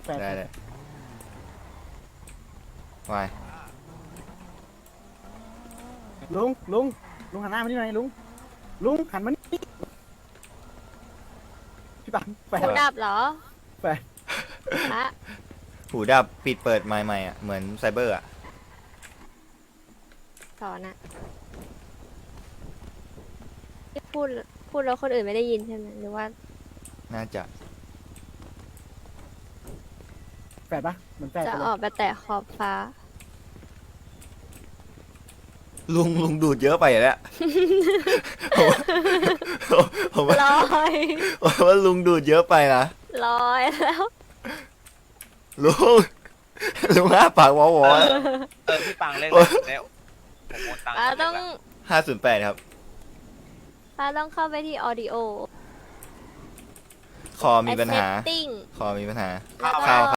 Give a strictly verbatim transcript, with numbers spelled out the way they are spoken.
แฟดได้เลย วายลุงลุงลุงหันหน้ามาที่ไหนลุงลุงหันมานี่พี่ปังแฟดหูดับเหรอแฟดฮะหูดับปิดเปิดใหม่ๆอ่ะ เหมือนไซเบอร์อ่ะสอนอะที่พูดพูดแล้วคนอื่นไม่ได้ยินใช่ไหมหรือว่าน่าจะแฟดปะเหมือนแฟดจะไปเลอย อกไปแตะขอบฟ้าลุงลุงดูดเยอะไปอ่ะเนี่ย ผมว่าผมว่าลอยผมว่าลุงดูดเยอะไปนะลอยแล้วลุง ลุงห้าปากวอวอเออพี่ปังเล่นแล้วแล้วผมโอนตังค์ป้าต้องห้าศูนย์แปดครับป้าต้องเข้าไปที่ audio คอมีปัญหา setting คอมีปัญหาแล้วก็เข้า